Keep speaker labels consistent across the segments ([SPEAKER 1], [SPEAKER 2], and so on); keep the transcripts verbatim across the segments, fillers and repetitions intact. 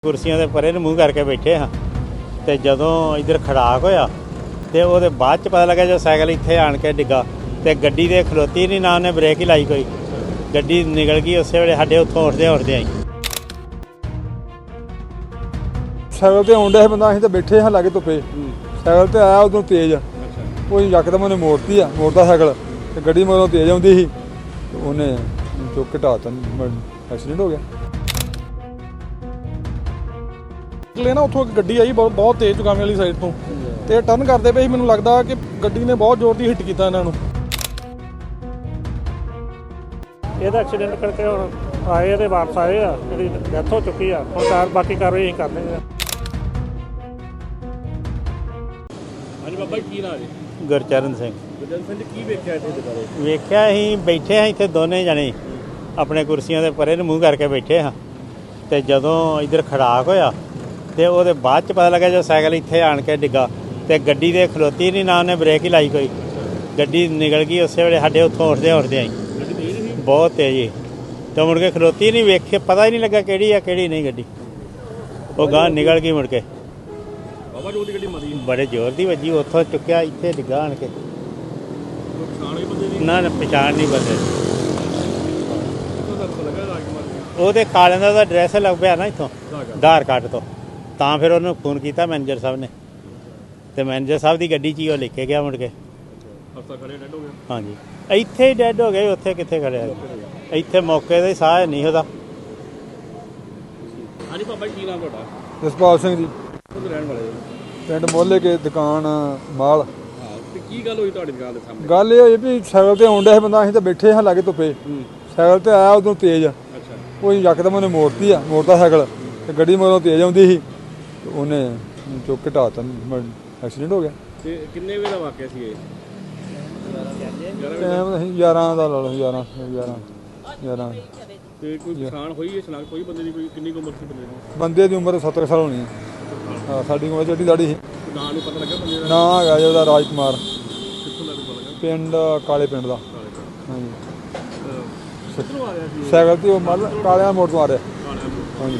[SPEAKER 1] ਕੁਰਸੀਆਂ ਦੇ ਪਰੇ ਨੂੰ ਮੂੰਹ ਕਰਕੇ ਬੈਠੇ ਹਾਂ ਤੇ ਜਦੋਂ ਇੱਧਰ ਖੜਾਕ ਹੋਇਆ ਤੇ ਉਹਦੇ ਬਾਅਦ ਚ ਪਤਾ ਲੱਗਾ ਜਦੋਂ ਸਾਈਕਲ ਇੱਥੇ ਆਣ ਕੇ ਡਿੱਗਾ ਤੇ ਗੱਡੀ ਦੇ ਖਲੋਤੀ ਨਹੀਂ, ਨਾ ਉਹਨੇ ਬ੍ਰੇਕ ਹੀ ਲਾਈ, ਕੋਈ ਗੱਡੀ ਨਿਕਲ ਗਈ ਉਸੇ ਵੇਲੇ ਸਾਡੇ ਉੱਥੋਂ ਉੱਠਦੇ ਉੱਠਦੇ ਆਈ।
[SPEAKER 2] ਸਾਈਕਲ ਤੇ ਆਉਂਦਾ ਸੀ ਬੰਦਾ, ਅਸੀਂ ਤਾਂ ਬੈਠੇ ਹਾਂ ਲਾਗੇ ਧੁੱਪੇ। ਸਾਈਕਲ ਤੇ ਆਇਆ ਉਦੋਂ ਤੇਜ਼, ਉਹ ਯਕਦਮ ਉਹਨੇ ਮੋੜਤੀ ਆ ਮੋੜਦਾ ਸਾਈਕਲ ਤੇ ਗੱਡੀ ਮਗਰੋਂ ਤੇਜ਼ ਆਉਂਦੀ ਸੀ, ਉਹਨੇ ਚੁੱਕ ਕੇ ਢਾਤਾ, ਐਕਸੀਡੈਂਟ ਹੋ ਗਿਆ।
[SPEAKER 3] ਲੈ ਨਾ ਉੱਥੋਂ ਇੱਕ ਗੱਡੀ ਆਈ ਬਹੁਤ ਬਹੁਤ ਤੇਜ਼ ਚੁਗਾਵੇਂ ਵਾਲੀ ਸਾਈਡ ਤੋਂ, ਤੇ ਟਰਨ ਕਰਦੇ ਪਏ ਸੀ। ਮੈਨੂੰ ਲੱਗਦਾ ਕਿ ਗੱਡੀ ਨੇ ਬਹੁਤ ਜ਼ੋਰ ਦੀ ਹਿੱਟ ਕੀਤਾ ਇਹਨਾਂ ਨੂੰ।
[SPEAKER 4] ਇਹਦਾ ਐਕਸੀਡੈਂਟ ਕਰਕੇ ਹੁਣ ਆਏ ਤੇ ਵਾਪਸ ਆਏ ਆ, ਜਿਹੜੀ ਡੈਥ ਹੋ ਚੁੱਕੀ ਆ। ਹੁਣ ਕਾਰ ਬਾਕੀ ਕਾਰਵਾਈ ਅਸੀਂ ਕਰਦੇ ਹਾਂ।
[SPEAKER 5] ਹਾਂਜੀ ਬਾਬਾ ਜੀ, ਕੀ ਨਾਂ ਜੀ?
[SPEAKER 1] ਗੁਰਚਰਨ ਸਿੰਘ।
[SPEAKER 5] ਗੁਰਚਰਨ ਸਿੰਘ ਜੀ, ਕੀ ਵੇਖਿਆ ਇੱਥੇ ਦੁਬਾਰੇ?
[SPEAKER 1] ਵੇਖਿਆ ਅਸੀਂ ਬੈਠੇ ਹਾਂ ਇੱਥੇ ਦੋਨੇ ਜਣੇ ਆਪਣੇ ਕੁਰਸੀਆਂ ਦੇ ਪਰੇ ਨੂੰ ਮੂੰਹ ਕਰਕੇ ਬੈਠੇ ਹਾਂ ਤੇ ਜਦੋਂ ਇੱਧਰ ਖੜਾਕ ਹੋਇਆ ਤੇ ਉਹਦੇ ਬਾਅਦ ਚ ਪਤਾ ਲੱਗਾ ਜਦੋਂ ਸਾਈਕਲ ਇੱਥੇ ਆਣ ਕੇ ਡਿੱਗਾ ਤੇ ਗੱਡੀ ਦੇ ਖਲੋਤੀ ਨਹੀਂ, ਨਾ ਉਹਨੇ ਬ੍ਰੇਕ ਹੀ ਲਾਈ, ਕੋਈ ਗੱਡੀ ਨਿਕਲ ਗਈ ਉਸੇ ਵੇਲੇ ਸਾਡੇ ਉੱਥੋਂ ਉੱਠਦੇ ਉੱਠਦੇ ਆਈ। ਬਹੁਤ ਤੇਜ਼ ਸੀ ਤੇ ਮੁੜ ਕੇ ਖਲੋਤੀ ਨਹੀਂ, ਵੇਖੇ ਪਤਾ ਹੀ ਨਹੀਂ ਲੱਗਾ ਕਿਹੜੀ ਆ ਕਿਹੜੀ ਨਹੀਂ ਗੱਡੀ, ਉਹ ਗਾਂ ਨਿਕਲ ਗਈ ਮੁੜ ਕੇ।
[SPEAKER 5] ਬਾਬਾ ਜੀ, ਗੱਡੀ ਮਰੀ
[SPEAKER 1] ਬੜੇ ਜ਼ੋਰ ਦੀ ਵੱਜੀ, ਉੱਥੋਂ ਚੁੱਕਿਆ ਇੱਥੇ ਡਿੱਗਾ ਆਣ ਕੇ।
[SPEAKER 5] ਪਛਾਣ ਹੋਈ ਬੰਦੇ ਦੀ?
[SPEAKER 1] ਨਾ ਨਾ ਪਛਾਣ ਨਹੀਂ ਬੰਦੇ ਦੀ।
[SPEAKER 5] ਕਿੱਥੋਂ ਤੁਹਾਨੂੰ ਲੱਗਾ ਰਾਜਕੁਮਾਰ?
[SPEAKER 1] ਉਹਦੇ ਕਾਲਿਆਂ ਦਾ ਉਹਦਾ ਐਡਰੈਸ ਲੱਗ ਪਿਆ ਨਾ ਇੱਥੋਂ ਆਧਾਰ ਕਾਰਡ ਤੋਂ, ਤਾਂ ਫਿਰ ਉਹਨੂੰ ਫੋਨ ਕੀਤਾ ਮੈਨੇਜਰ ਸਾਹਿਬ ਨੇ, ਤੇ ਮੈਨੇਜਰ ਸਾਹਿਬ ਦੀ ਗੱਡੀ 'ਚ ਹੀ ਉਹ ਲੈ ਕੇ ਗਿਆ ਮੁੜ ਕੇ।
[SPEAKER 5] ਹਸਪਤਾਲ ਖੜੇ ਡੈਡ ਹੋ ਗਿਆ?
[SPEAKER 1] ਹਾਂਜੀ, ਇੱਥੇ ਹੀ ਡੈਡ ਹੋ ਗਏ, ਉੱਥੇ ਕਿੱਥੇ ਖੜਿਆ, ਇੱਥੇ ਮੌਕੇ ਤੇ ਸਾਹ ਨਹੀਂ ਉਹਦਾ।
[SPEAKER 5] ਹਾਂਜੀ ਬਾਬਾ ਜੀ, ਕੀ ਨਾਮ ਤੁਹਾਡਾ?
[SPEAKER 2] ਜਸਪਾਲ ਸਿੰਘ ਜੀ,
[SPEAKER 5] ਕਿੱਥੋਂ ਰਹਿਣ ਵਾਲੇ ਹੋ?
[SPEAKER 2] ਪਿੰਡ ਮੋਹਲੇ ਕੇ ਦੁਕਾਨ ਮਾਲ।
[SPEAKER 5] ਹਾਂ, ਤੇ ਕੀ ਗੱਲ ਹੋਈ ਤੁਹਾਡੀ ਦੁਕਾਨ ਦੇ ਸਾਹਮਣੇ?
[SPEAKER 2] ਗੱਲ ਇਹ ਹੋਈ ਵੀ ਸਾਈਕਲ ਤੇ ਆਉਂਦਾ ਸੀ ਬੰਦਾ, ਅਸੀਂ ਤਾਂ ਬੈਠੇ ਹਾਂ ਲਾਗੇ ਧੁੱਪੇ। ਸਾਈਕਲ ਤੇ ਆਇਆ ਉਦੋਂ ਤੇਜ਼,
[SPEAKER 5] ਅੱਛਾ,
[SPEAKER 2] ਉਹ ਯਕਦਮ ਉਹਨੇ ਮੋੜਤੀ ਆ ਮੋੜਦਾ ਸਾਈਕਲ ਤੇ ਗੱਡੀ ਮਗਰੋਂ ਤੇਜ਼ ਆਉਂਦੀ ਸੀ, ਉਹਨੇ ਚੁੱਕ ਕੇ ਢਾਤਾ, ਐਕਸੀਡੈਂਟ ਹੋ ਗਿਆ।
[SPEAKER 5] ਤੇ ਕਿੰਨੇ ਵੇ ਦਾ ਵਾਕਿਆ ਸੀ ਇਹ?
[SPEAKER 2] ਟਾਈਮ ਅਸੀਂ ਗਿਆਰਾਂ ਦਾ ਲਾ ਲਓ, ਗਿਆਰਾਂ ਗਿਆਰਾਂ ਗਿਆਰਾਂ।
[SPEAKER 5] ਤੇ ਕੋਈ ਪਛਾਣ ਹੋਈ ਹੈ ਸ਼ਨਾਖਤ ਹੋਈ ਬੰਦੇ ਦੀ? ਕੋਈ ਕਿੰਨੀ ਕੁ ਉਮਰ ਸੀ ਬੰਦੇ ਦੀ?
[SPEAKER 2] ਬੰਦੇ ਦੀ ਉਮਰ ਸੱਤਰ ਸਾਲ ਹੋਣੀ ਹੈ। ਹਾਂ, ਸਾਡੀ ਉਮਰ ਜਿਹੜੀ ਦਾੜੀ ਸੀ।
[SPEAKER 5] ਨਾਂ ਨੂੰ ਪਤਾ ਲੱਗਾ ਬੰਦੇ ਦਾ?
[SPEAKER 2] ਨਾਂ ਹੈਗਾ ਜੀ ਉਹਦਾ ਰਾਜਕੁਮਾਰ,
[SPEAKER 5] ਕਿੱਥੋਂ ਦਾ ਪਤਾ ਲੱਗਾ?
[SPEAKER 2] ਪਿੰਡ ਕਾਲੇ ਪਿੰਡ ਦਾ। ਹਾਂਜੀ,
[SPEAKER 5] ਕਿੱਥੋਂ ਆ ਰਿਹਾ ਸੀ?
[SPEAKER 2] ਸਾਈਕਲ ਤੇ ਉਹ ਮੱਲ ਕਾਲਿਆਂ ਮੋੜ ਤੋਂ ਆ ਰਿਹਾ। ਹਾਂਜੀ,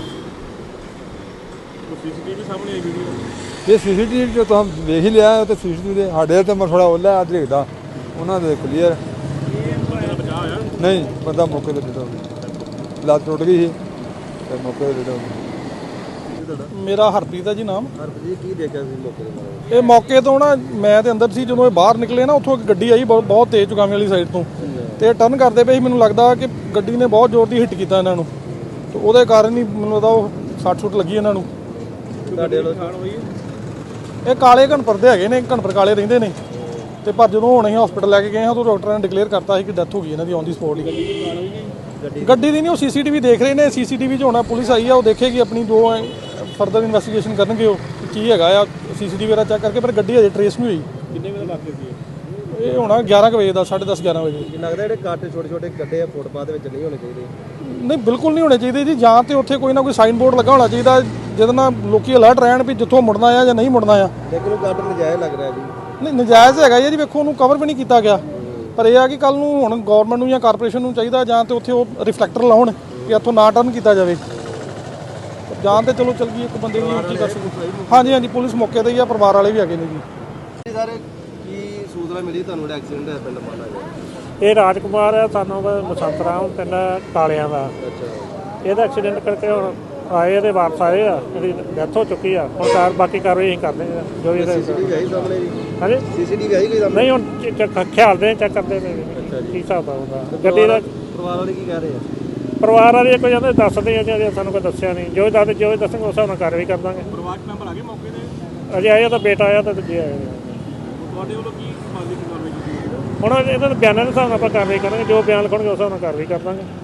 [SPEAKER 5] ਕੋਈ ਸੀਸੀਟੀਵੀ ਸਾਹਮਣੇ ਆਈ ਵੀਡੀਓ?
[SPEAKER 2] ਇਹ ਸੀਸੀਟੀਵੀ ਜੋ ਤੁਸੀਂ ਵੇਖ ਹੀ ਲਿਆ, ਤੇ ਸੀਸੀਟੀਵੀ ਦੇ ਸਾਡੇ ਤੇ ਮੈਂ ਥੋੜਾ ਓਲਾ ਆ ਦੇਖਦਾ, ਉਹਨਾਂ ਦੇ ਕਲੀਅਰ
[SPEAKER 5] ਬਚਾ ਹੋਇਆ?
[SPEAKER 2] ਨਹੀਂ, ਬੰਦਾ ਮੌਕੇ ਤੇ ਡਿੱਗਾ ਹੋ ਗਿਆ, ਲੱਤ ਟੁੱਟ ਗਈ ਸੀ ਤੇ ਮੌਕੇ ਤੇ ਡਿੱਗਾ ਹੋ ਗਿਆ।
[SPEAKER 3] ਮੇਰਾ ਹਰਪ੍ਰੀਤ ਹੈ ਜੀ ਨਾਮ।
[SPEAKER 2] ਹਰਪ੍ਰੀਤ, ਕੀ ਦੇਖਿਆ ਸੀ ਮੌਕੇ ਤੇ?
[SPEAKER 3] ਇਹ ਮੌਕੇ ਤੋਂ ਨਾ ਮੈਂ ਤੇ ਅੰਦਰ ਸੀ, ਜਦੋਂ ਇਹ ਬਾਹਰ ਨਿਕਲੇ ਨਾ ਉੱਥੋਂ ਇੱਕ ਗੱਡੀ ਆਈ ਬਹੁਤ ਬਹੁਤ ਤੇਜ਼ ਚੁਗਾਵੇਂ ਵਾਲੀ ਸਾਈਡ ਤੋਂ, ਤੇ ਟਰਨ ਕਰਦੇ ਪਏ ਸੀ। ਮੈਨੂੰ ਲੱਗਦਾ ਕਿ ਗੱਡੀ ਨੇ ਬਹੁਤ ਜ਼ੋਰ ਦੀ ਹਿੱਟ ਕੀਤਾ ਇਹਨਾਂ ਨੂੰ, ਤੇ ਉਹਦੇ ਕਾਰਨ ਹੀ ਮੈਨੂੰ ਲੱਗਦਾ ਉਹ ਸੱਟ ਸੁੱਟ ਲੱਗੀ ਇਹਨਾਂ ਨੂੰ।
[SPEAKER 5] ਤੁਹਾਡੇ ਵੱਲੋਂ ਪਛਾਣ ਹੋਈ?
[SPEAKER 3] ਇਹ ਕਾਲੇ ਘਣਪੁਰ ਦੇ ਹੈਗੇ ਨੇ, ਘਣਪੁਰ ਕਾਲੇ ਰਹਿੰਦੇ ਨੇ, ਤੇ ਪਰ ਜਦੋਂ ਹੁਣ ਅਸੀਂ ਹਸਪੀਟਲ ਲੈ ਕੇ ਗਏ ਹਾਂ ਤਾਂ ਡਾਕਟਰਾਂ ਨੇ ਡਿਕਲੇਅਰ ਕਰਤਾ ਸੀ ਕਿ ਡੈਥ ਹੋ ਗਈ ਇਹਨਾਂ ਦੀ ਔਨ ਦੀ ਸਪੌਟ ਹੀ। ਗੱਡੀ ਦੀ ਨਹੀਂ, ਉਹ ਸੀਸੀਟੀਵੀ ਦੇਖ ਰਹੇ ਨੇ, ਸੀਸੀਟੀਵੀ 'ਚ ਹੋਣਾ, ਪੁਲਿਸ ਆਈ ਆ, ਉਹ ਦੇਖੇਗੀ ਆਪਣੀ ਜੋ ਫਰਦਰ ਇਨਵੈਸਟੀਗੇਸ਼ਨ ਕਰਨਗੇ ਉਹ ਕੀ ਹੈਗਾ ਆ ਸੀਸੀਟੀਵੀ ਵਗੈਰਾ ਚੈੱਕ ਕਰਕੇ, ਪਰ ਗੱਡੀ ਅਜੇ ਟਰੇਸ ਨਹੀਂ ਹੋਈ।
[SPEAKER 5] ਕਿੰਨੇ ਵਜੇ ਦਾ ਵਾਕਿਆ ਸੀ?
[SPEAKER 3] ਇਹ ਹੋਣਾ ਗਿਆਰਾਂ ਕੁ ਵਜੇ ਦਾ, ਸਾਢੇ ਦਸ ਗਿਆਰਾਂ ਵਜੇ।
[SPEAKER 6] ਲੱਗਦਾ ਜਿਹੜੇ ਕੱਟ ਛੋਟੇ ਛੋਟੇ ਗੱਡੇ ਆ ਫੁੱਟਪਾਥ ਦੇ ਵਿੱਚ ਨਹੀਂ ਹੋਣੇ ਚਾਹੀਦੇ?
[SPEAKER 3] ਨਹੀਂ, ਬਿਲਕੁਲ ਨਹੀਂ ਹੋਣੇ ਚਾਹੀਦੇ ਜੀ। ਜਾਂ ਤੇ ਉੱਥੇ ਕੋਈ ਨਾ ਕੋਈ ਸਾਈਨ ਬੋਰਡ ਲੱਗਾ ਹੋਣਾ ਚਾਹੀਦਾ ਜਿਹਦੇ ਨਾਲ ਲੋਕੀ ਅਲਰਟ ਰਹਿਣ ਵੀ ਜਿੱਥੋਂ ਮੁੜਨਾ ਆ ਜਾਂ ਨਹੀਂ ਮੁੜਨਾ ਆ।
[SPEAKER 6] ਲੇਕਿਨ ਉਹ ਕੱਟ ਨਜਾਇਜ਼ ਲੱਗ ਰਿਹਾ ਜੀ।
[SPEAKER 3] ਨਹੀਂ, ਨਜਾਇਜ਼ ਹੈਗਾ ਜੀ, ਵੇਖੋ ਉਹਨੂੰ ਕਵਰ ਵੀ ਨਹੀਂ ਕੀਤਾ ਗਿਆ, ਪਰ ਇਹ ਆ ਕਿ ਕੱਲ ਨੂੰ ਹੁਣ ਗਵਰਨਮੈਂਟ ਨੂੰ ਜਾਂ ਕਾਰਪੋਰੇਸ਼ਨ ਨੂੰ ਚਾਹੀਦਾ ਜਾਂ ਤੇ ਉੱਥੇ ਉਹ ਰਿਫਲੈਕਟਰ ਲਾਉਣ ਕਿ ਇੱਥੋਂ ਨਾ ਟਰਨ ਕੀਤਾ ਜਾਵੇ, ਜਾਂ ਤੇ ਚਲੋ ਚੱਲ ਗਈ ਇੱਕ ਬੰਦੇ ਦੀ ਕੀ ਕਰ ਸਕਦੇ। ਹਾਂਜੀ ਹਾਂਜੀ, ਪੁਲਿਸ ਮੌਕੇ ਤੇ ਹੀ ਆ, ਪਰਿਵਾਰ ਵਾਲੇ ਵੀ ਹੈਗੇ ਨੇ ਜੀ।
[SPEAKER 6] ਸਰ, ਕੀ ਸੂਚਨਾ ਮਿਲੀ ਤੁਹਾਨੂੰ ਜਿਹੜਾ ਐਕਸੀਡੈਂਟ ਹੋਇਆ ਪਿੰਡ ਮਾਨਾ ਗਿਆ?
[SPEAKER 4] ਇਹ ਰਾਜਕੁਮਾਰ ਆ, ਸਾਨੂੰ ਬਸੰਤ ਰਾਮ ਪਿੰਡ ਕਾਲਿਆਂ ਦਾ।
[SPEAKER 6] ਅੱਛਾ,
[SPEAKER 4] ਇਹਦਾ ਐਕਸੀਡੈਂਟ ਕਰਕੇ ਹੁਣ ਆਏ ਤੇ ਵਾਪਸ ਆਏ ਆ, ਜਿਹੜੀ ਡੈਥ ਹੋ ਚੁੱਕੀ ਆ। ਹੁਣ ਕਾਰ ਬਾਕੀ ਕਾਰਵਾਈ ਅਸੀਂ ਕਰਦੇ ਹਾਂ ਜੋ ਵੀ।
[SPEAKER 6] ਸੀਸੀਟੀਵੀ ਆਈ ਸਾਹਮਣੇ ਜੀ?
[SPEAKER 4] ਹਾਂਜੀ,
[SPEAKER 6] ਸੀਸੀਟੀਵੀ ਆਈ ਕੋਈ ਸਾਹਮਣੇ?
[SPEAKER 4] ਨਹੀਂ ਹੁਣ ਖਿਆਲ ਦੇ ਚੈੱਕ ਕਰਦੇ ਨੇ ਕੀ ਹਿਸਾਬ ਆਉਂਦਾ ਗੱਡੀ ਦਾ।
[SPEAKER 6] ਪਰਿਵਾਰ ਵਾਲੇ ਕੀ ਕਹਿ ਰਹੇ ਆ?
[SPEAKER 4] ਪਰਿਵਾਰ ਵਾਲੇ ਕੋਈ ਜਾਂਦੇ ਦੱਸਦੇ ਆ ਜੀ, ਸਾਨੂੰ ਕੋਈ ਦੱਸਿਆ ਨਹੀਂ। ਜੋ ਦੱਸਦੇ ਜੋ ਦੱਸਣਗੇ ਉਸ ਹਿਸਾਬ ਨਾਲ ਕਾਰਵਾਈ ਕਰ ਦਾਂਗੇ।
[SPEAKER 5] ਪਰਿਵਾਰਕ ਮੈਂਬਰ ਆ ਗਏ ਮੌਕੇ ਤੇ?
[SPEAKER 4] ਅਜੇ ਆਇਆ ਤਾਂ ਬੇਟਾ ਆਇਆ ਤਾਂ ਦੂਜੇ ਆਏ।
[SPEAKER 5] ਤੁਹਾਡੇ ਵੱਲੋਂ ਕੀ ਕਾਰਵਾਈ ਕੀਤੀ?
[SPEAKER 4] ਹੁਣ ਇਹਨਾਂ ਦੇ ਬਿਆਨਾਂ ਦੇ ਹਿਸਾਬ ਨਾਲ ਆਪਾਂ ਕਾਰਵਾਈ ਕਰਾਂਗੇ, ਜੋ ਬਿਆਨ ਲਿਖਣਗੇ ਉਸ ਹਿਸਾਬ ਨਾਲ ਕਾਰਵਾਈ ਕਰ ਦਾਂਗੇ।